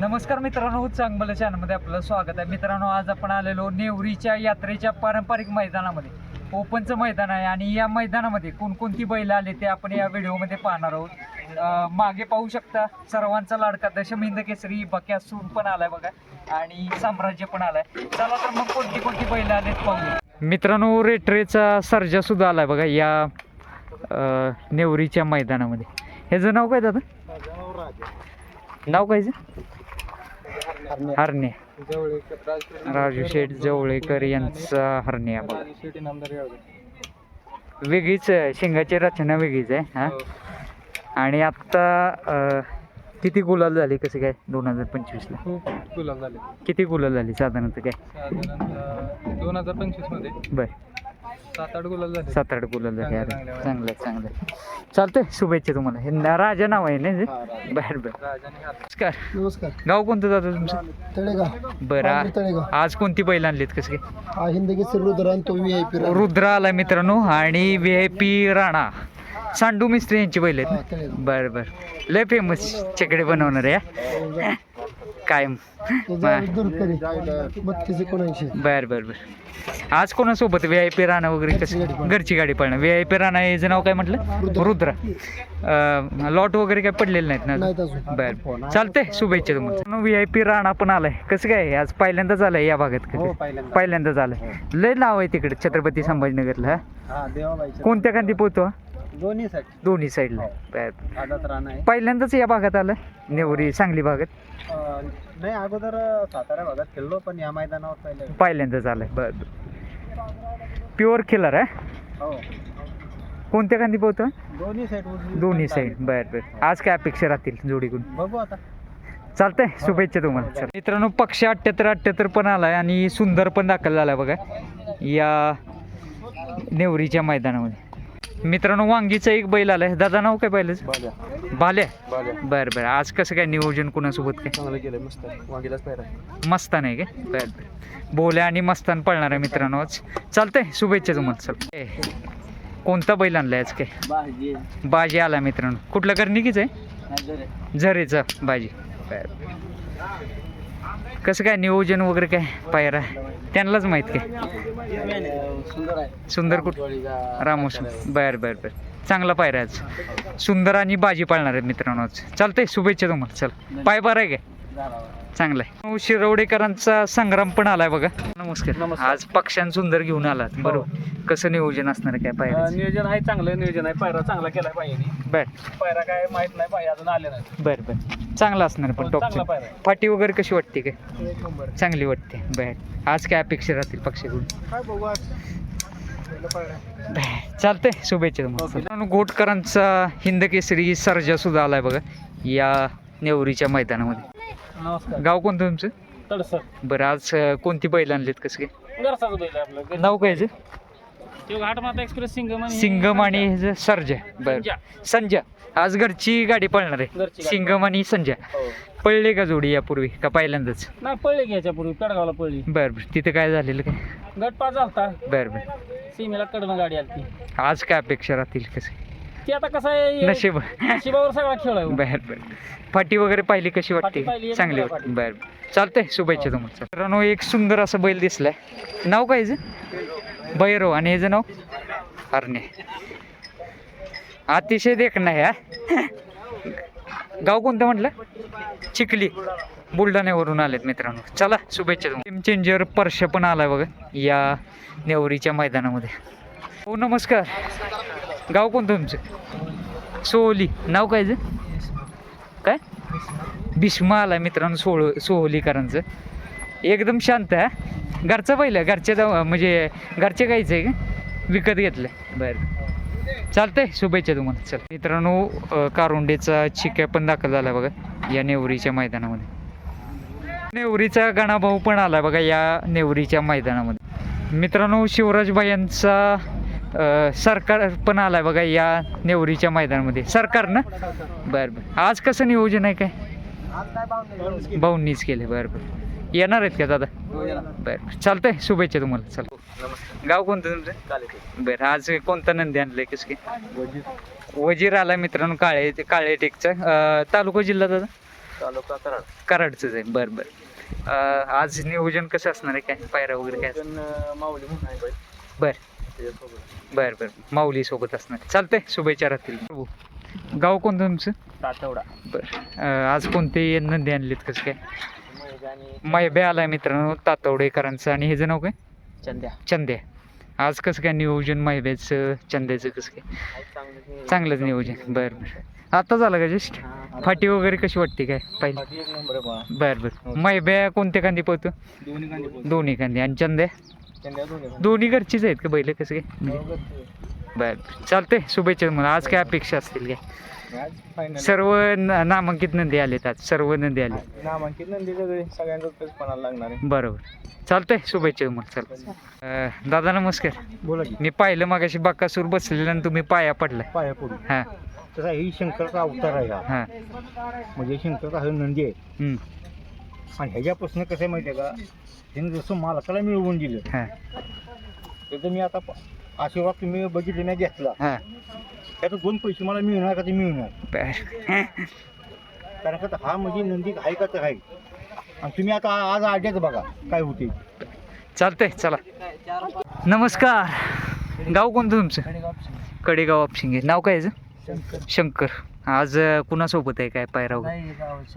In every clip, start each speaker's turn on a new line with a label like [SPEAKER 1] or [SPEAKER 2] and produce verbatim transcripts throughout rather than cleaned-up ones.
[SPEAKER 1] नमस्कार मित्रांनो, चांगलं चॅनलमध्ये आपलं स्वागत आहे. मित्रांनो, आज आपण आलेलो नेवरीच्या यात्रेच्या पारंपरिक मैदानामध्ये. ओपनचं मैदान आहे आणि या मैदानामध्ये कोणकोणती बैल आले ते आपण या व्हिडिओमध्ये पाहणार आहोत. मागे पाहू शकता सर्वांचा लाडका दशमिंद केसरी बक्यासूर पण आलाय बघा आणि साम्राज्य पण आलाय. चला तर मग कोणती कोणती बैल आलेत पाहूया. मित्रांनो, रेट्रेचा सर्जा सुद्धा आलाय बघा या नेवरीच्या मैदानामध्ये. ह्याचं नाव काय दादा? नाव काय? हरणे. राजू शेठ जवळेकर यांचा हरणे. वेगळीच शिंगाची रचना वेगळीच आहे हा. आणि आत्ता किती गुलाल झाली कसं काय दोन हजार पंचवीसला?
[SPEAKER 2] खूप गुलाल झाले.
[SPEAKER 1] किती गुलाल झाली साधारणतः काय?
[SPEAKER 2] साधारणतः दोन हजार पंचवीस मध्ये
[SPEAKER 1] बर
[SPEAKER 2] सात आठ गुलाल झाले.
[SPEAKER 1] सात आठ गुलाल झाले. अरे चांगलं चांगलं चालतंय. शुभेच्छा तुम्हाला. हे राजा नाव आहे ना? बर बर. नमस्कार.
[SPEAKER 2] नमस्कार.
[SPEAKER 1] गाव कोणतं जातं तुमचं?
[SPEAKER 2] तळेगाव.
[SPEAKER 1] बरं, आज कोणती बैल आणलीत कसं काय?
[SPEAKER 2] हा हिंदगी रुद्र आणि तो व्ही आय पी
[SPEAKER 1] रुद्र आला मित्रांनो आणि V I P Rana Sandu Mistry यांची बैल आहेत. बरं बरं, लय फेमस चकडे बनवणार आहे कायम.
[SPEAKER 2] बत्तीस एकोणऐंशी.
[SPEAKER 1] बर बर बर. आज कोणासोबत? व्ही आय पी राणा वगैरे कसं? घरची गाडी पळणार. व्ही आय पी राणा याचं नाव काय म्हटलं? रुद्र. लॉट वगैरे काय पडलेले नाहीत ना? बर चालतंय. शुभेच्छा तुम्हाला. व्ही आय पी राणा पण आलाय. कसं काय आज पहिल्यांदाच आलाय या भागात? पहिल्यांदाच आलाय. लय नाव आहे तिकडे छत्रपती संभाजीनगरला. कोणत्या खांदी पोहतो?
[SPEAKER 2] दोन्ही साईड.
[SPEAKER 1] दोन्ही साईडला. पहिल्यांदाच या भागात आलं? नेवरी सांगली भागात?
[SPEAKER 2] नाही, अगोदर सातारा भागात खेळलो पण या मैदानावर पहिल्यांदा
[SPEAKER 1] पहिल्यांदाच आलंय. बर. प्युअर किलर आहे.
[SPEAKER 2] हो.
[SPEAKER 1] कोणत्या खांदी पोहतो?
[SPEAKER 2] दोन्ही साईड.
[SPEAKER 1] दोन्ही साईड. बर बर. आज काय अपेक्षा राहतील जोडीकडून?
[SPEAKER 2] बघू आता.
[SPEAKER 1] चालतंय. शुभेच्छा तुम्हाला. मित्रांनो, पक्ष अठ्ठ्याहत्तर अठ्ठ्याहत्तर पण आलाय आणि सुंदर पण दाखल झालाय बघा या नेवरीच्या मैदानामध्ये. मित्रांनो, वांगीचा एक बैल आलाय. दादा नाव काय बैलाचं? बाल्या. बर बर. आज कसं काय नियोजन कोणासोबत काय?
[SPEAKER 2] चांगलं केलं. मस्त वांगीलाच पाहिजे.
[SPEAKER 1] मस्तान आहे काय? बर बर. बोल्या आणि मस्तान पळणार आहे मित्रांनो आज. चालतंय. शुभेच्छा तुम्हाला. चल, कोणता बैल आणलाय आज काय? बाजी आला मित्रांनो. कुठला कर्णिकीच आहे? झरेचा बाजी. बर. कसं काय नियोजन वगैरे काय पायरा त्यांनाच माहित काय? सुंदर कुठ? रामोस. बर बर बर. चांगला पायरा आज. सुंदर आणि बाजी पाळणार आहेत मित्रांनो आज. चालतंय. शुभेच्छा तुम्हाला. चल, पाय बरं आहे काय? चांगला आहे. शिरवडेकरांचा संग्राम पण आलाय बघा. नमस्कार. आज पक्षान सुंदर घेऊन आलात. बरोबर. कसं नियोजन असणार काय पायरा?
[SPEAKER 2] नियोजन आहे, चांगलं नियोजन आहे. पायरा चांगला केलाय पाहिजे.
[SPEAKER 1] बर.
[SPEAKER 2] पायरा काय माहित नाही पाहिजे, अजून आले नाही.
[SPEAKER 1] बर बर. चांगला असणार पण टॉप. फाटी वगैरे कशी वाटते काय?
[SPEAKER 2] एक नंबर
[SPEAKER 1] चांगली वाटते. बर. आज काय अपेक्षा राहतील पक्षाकडून?
[SPEAKER 2] काय बघू आज.
[SPEAKER 1] चालतंय. शुभेच्छा तुम्हाला. घोटकरांचा हिंद केसरी सर्जा सुद्धा आलाय बघा या नेवरीच्या मैदानामध्ये.
[SPEAKER 2] नमस्कार.
[SPEAKER 1] गाव कोणतं तुमचं?
[SPEAKER 2] तडसर.
[SPEAKER 1] बरं, आज कोणती बैल आणलीत कसं काय?
[SPEAKER 2] घरचाच बैल आहे आपलं.
[SPEAKER 1] नाव काय?
[SPEAKER 2] घाटमाता एक्सप्रेस सिंगम आणि
[SPEAKER 1] सिंगम आणि सर्जा. बरं. संजा. आज घरची गाडी पळणार आहे. सिंगम आणि संजा. पळले का जोडी यापूर्वी का पहिल्यांदाच?
[SPEAKER 2] नाही, पळले की याच्यापूर्वी पेडगावला पळली.
[SPEAKER 1] बरं बरं. तिथं काय झालेलं काय?
[SPEAKER 2] गट पास झालता.
[SPEAKER 1] बरं बरं.
[SPEAKER 2] सीमेला कडनं गाडी आली.
[SPEAKER 1] आज काय अपेक्षा राहतील कसं?
[SPEAKER 2] ती आता कसं आहे,
[SPEAKER 1] नशीब.
[SPEAKER 2] नशिबावर सगळा खेळ आहे.
[SPEAKER 1] बर बर. फाटी वगैरे पाहिली कशी वाटते? चांगली वाटते. बर. चालतंय. शुभेच्छा तुम्हाला. मित्रांनो, एक सुंदर असं बैल दिसलाय. नाव काय ह्याचं? भैरव. आणि ह्याचं नाव? हरणे. अतिशय देखणं आहे हा. गाव कोणतं म्हटलं? चिखली. बुलढाण्यावरून आलेत मित्रांनो. चला, शुभेच्छा तुम्हाला. टीम चेंजर परश पण आलाय बघा या नेवरीच्या मैदानामध्ये. हो, नमस्कार. गाव कोणतं तुमचं? सोहली. नाव काय काय? भीष्मा आलाय मित्रांनो सोळ सोहलीकरांचं. एकदम शांत आहे. घरचं पहिलं घरच्या म्हणजे घरचे गायचं आहे का? विकत घेतलं? बरं. चालतंय. शुभेच्छा तुम्हाला. चल मित्रांनो, कारुंडेचा चिक्या पण दाखल झाला बघा या नेवरीच्या मैदानामध्ये. नेवरीचा गणाभाऊ पण आला बघा या नेवरीच्या मैदानामध्ये. मित्रांनो, शिवराजबाई यांचा सरकार पण आलाय बघा या नेवरीच्या मैदानामध्ये. सरकार ना? बरं बरं. आज कसं नियोजन आहे काय? भाऊंनीच केले. बरं बरं. येणार आहेत का दादा? बरं. चालतंय. शुभेच्छा तुम्हाला. चल. गाव कोणतं तुमचं? बरं. आज कोणता नंदी आणलंय कसं काय? वजीर आला मित्रांनो. काळे काळे टेकचा. तालुका जिल्हा दादा?
[SPEAKER 2] तालुका कराड.
[SPEAKER 1] कराडचंच आहे बरं बरं. अं, आज नियोजन कसं असणार आहे काय पायरा वगैरे काय
[SPEAKER 2] पण माऊली म्हणून आहे बाई
[SPEAKER 1] बरं
[SPEAKER 2] त्याच्यासोबत
[SPEAKER 1] बरं बरं माऊली सोबत असणार चालतंय शुभेच्छा राहतील. प्रभू गाव कोणतं तुमचं?
[SPEAKER 2] तातवडा.
[SPEAKER 1] बरं अं, आज कोणते नंदी आणलेत कसं काय?
[SPEAKER 2] महेश आणि
[SPEAKER 1] मैबे आलाय मित्रांनो तातवडेकरांचं आणि ह्याचं नाव काय?
[SPEAKER 2] चंद्या.
[SPEAKER 1] चंद्या. आज कसं काय नियोजन मैब्याचं चंद्याचं कसं काय?
[SPEAKER 2] आहे चांगलं
[SPEAKER 1] चांगलंच नियोजन बरं बरं. आता झालं का जस्ट फाटी वगैरे कशी वाटते काय पाहिजे?
[SPEAKER 2] एक नंबर आहे बा.
[SPEAKER 1] बरं बरं मैब्या कोणत्या कांदी पळतो?
[SPEAKER 2] दोन्ही गांधी बोल.
[SPEAKER 1] दोन्ही कांदी आणि चंद्या
[SPEAKER 2] चंद्या दोन्ही गांधी.
[SPEAKER 1] दोन्ही घरचीच आहेत का बैल कसं काय? बरं बरं. चालतंय शुभेच्छा तुम्हाला. आज काय अपेक्षा असतील काय?
[SPEAKER 2] आज फायनल
[SPEAKER 1] सर्व न- नामांकित नंदी आलेत आज सर्व नंदी आले
[SPEAKER 2] नामांकित नंदी सगळे सगळ्यांचाच पैसे पणाला लागणार आहे.
[SPEAKER 1] बरोबर. चालतंय शुभेच्छा तुम्हाला. चल अं, दादा नमस्कार.
[SPEAKER 2] बोला की
[SPEAKER 1] मी पाहिलं मागाशी बाकासूर बसलेलं आणि तुम्ही पाया पडला.
[SPEAKER 2] पाया पडून
[SPEAKER 1] हां
[SPEAKER 2] तसा ही शंकरचा अवतार आहे हा.
[SPEAKER 1] हां
[SPEAKER 2] म्हणजे शंकरचा हा नंदी आहे
[SPEAKER 1] हम्म,
[SPEAKER 2] आणि ह्याच्यापासून कसं आहे माहिती आहे का त्याने जसं मालकाला मिळवून दिलं
[SPEAKER 1] हां
[SPEAKER 2] त्याचं मी आता प- आशीर्वाद तुम्ही बघितले नाही घेतला
[SPEAKER 1] हां
[SPEAKER 2] त्याचं दोन पैसे मला मिळणार का ते मिळणार
[SPEAKER 1] बरं.
[SPEAKER 2] कारण का हा म्हणजे नंदी आहे का तर आहे आणि तुम्ही आता आज आड्याच बघा काय होते.
[SPEAKER 1] चालतंय चला. नमस्कार. गाव कोणतं तुमचं? कडेगाव आपशिंगे. नाव काय याचं?
[SPEAKER 2] शंकर
[SPEAKER 1] शंकर. आज अं, कुणासोबत आहे काय पायरा वगैरे?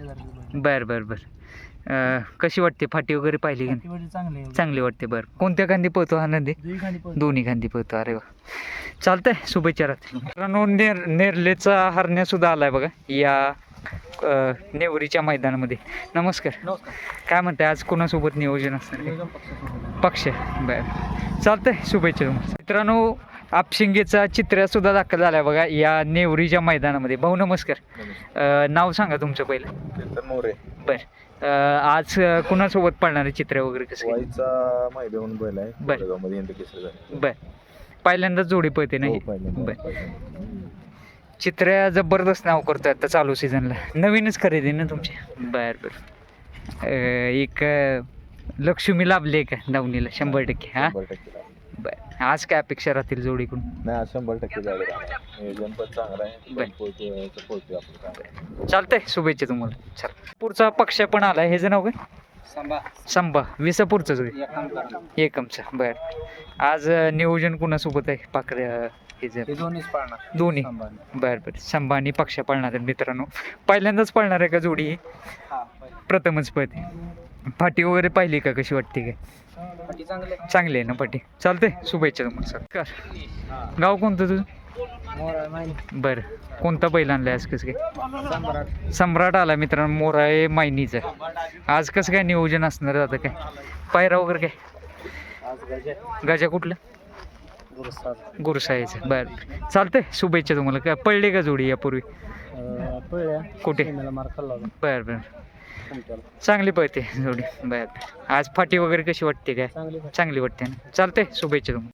[SPEAKER 1] बरं बरं बरं. अं, कशी वाटते फाटी वगैरे पाहिली का नाही?
[SPEAKER 2] चांगले
[SPEAKER 1] चांगली वाटते. बरं कोणत्या खांदी पळतो हा नंदी? दोन्ही खांदी पळतो. अरे वा चालतंय शुभेच्छा राहतील. मित्रांनो नेर नेरलेचा हरण्यासुद्धा आलाय बघा या अं, नेवरीच्या मैदानामध्ये. नमस्कार.
[SPEAKER 2] नमस्कार.
[SPEAKER 1] काय म्हणताय आज कोणासोबत नियोजन असणार? पक्ष बरं चालतंय शुभेच्छा तुम्हाला. मित्रांनो आपशिंगेचा चित्र्यासुद्धा दाखल झाला आहे बघा या नेवरीच्या मैदानामध्ये. भाऊ नमस्कार. अं, नाव सांगा तुमचं पहिलं.
[SPEAKER 2] मोरे
[SPEAKER 1] बरं अं, आज अं, कुणासोबत पळणार आहे चित्र वगैरे कसं काय?
[SPEAKER 2] वाईचा माहिती म्हणून बैल आहे
[SPEAKER 1] बर.
[SPEAKER 2] कोरेगावमध्ये इंद्र केसरी झाले.
[SPEAKER 1] बरं पहिल्यांदाच जोडी पळते नाही?
[SPEAKER 2] हो, पहिल्यांदा.
[SPEAKER 1] बरं चित्र्या जबरदस्त नाव करतोय आता चालू सीझनला. नवीनच खरेदी ना तुमची? बरं बरं. अं, एक अं, लक्ष्मी लाभली का दावणीला शंभर टक्के हां?
[SPEAKER 2] शंभर टक्के लागले.
[SPEAKER 1] बरं आज काय अपेक्षा राहतील जोडीकडून?
[SPEAKER 2] नाही आज शंभर टक्के जायला राहणार. नियोजन पण चांगलं आहे.
[SPEAKER 1] बर.
[SPEAKER 2] पोहोचतोय पोहोचतोय आपण चांगलं.
[SPEAKER 1] चालतंय शुभेच्छा तुम्हाला. चल पुढचा पक्ष पण आलाय. ह्याचं नाव काय?
[SPEAKER 2] सांबा
[SPEAKER 1] संभा. विसापूरचंच होय?
[SPEAKER 2] एक काम करा.
[SPEAKER 1] एकमचा. बरं आज अं, नियोजन कुणासोबत आहे पाकड्या हे जर
[SPEAKER 2] हे दोन्हीच पाळणार.
[SPEAKER 1] दोन्ही?
[SPEAKER 2] सांभाळणार.
[SPEAKER 1] बरं बरं संभा आणि पक्ष पळणार आहेत मित्रांनो. पहिल्यांदाच पळणार आहे का जोडी ही?
[SPEAKER 2] हा, पहिलं.
[SPEAKER 1] प्रथमच पळते. फाटी वगैरे पाहिली का कशी वाटते काय?
[SPEAKER 2] बाकी चांगले.
[SPEAKER 1] चांगली आहे ना पाटी? चालतंय शुभेच्छा तुम्हाला सर. कर गाव कोणतं तुझं?
[SPEAKER 2] मोरा माहिती.
[SPEAKER 1] बरं कोणता बैल आणलाय आज कसं काय?
[SPEAKER 2] सम्राट.
[SPEAKER 1] सम्राट आला मित्रांनो मोराळे मायनीचं. आज कसं काय नियोजन असणार आता काय पायरा वगैरे काय?
[SPEAKER 2] आज गजे.
[SPEAKER 1] गजा कुठलं?
[SPEAKER 2] गुरुसाद.
[SPEAKER 1] गुरुसाईचं. बरं चालतंय शुभेच्छा तुम्हाला. काय पडले का जोडी यापूर्वी?
[SPEAKER 2] पळल्या.
[SPEAKER 1] कुठे?
[SPEAKER 2] मला मार खाल्ला होता.
[SPEAKER 1] बरं बरं
[SPEAKER 2] तुमच्याला.
[SPEAKER 1] चांगली पळते जोडी. बरं आज फाटी वगैरे कशी वाटते काय?
[SPEAKER 2] चांगली.
[SPEAKER 1] चांगली वाटते ना? चालतंय शुभेच्छा तुम्हाला.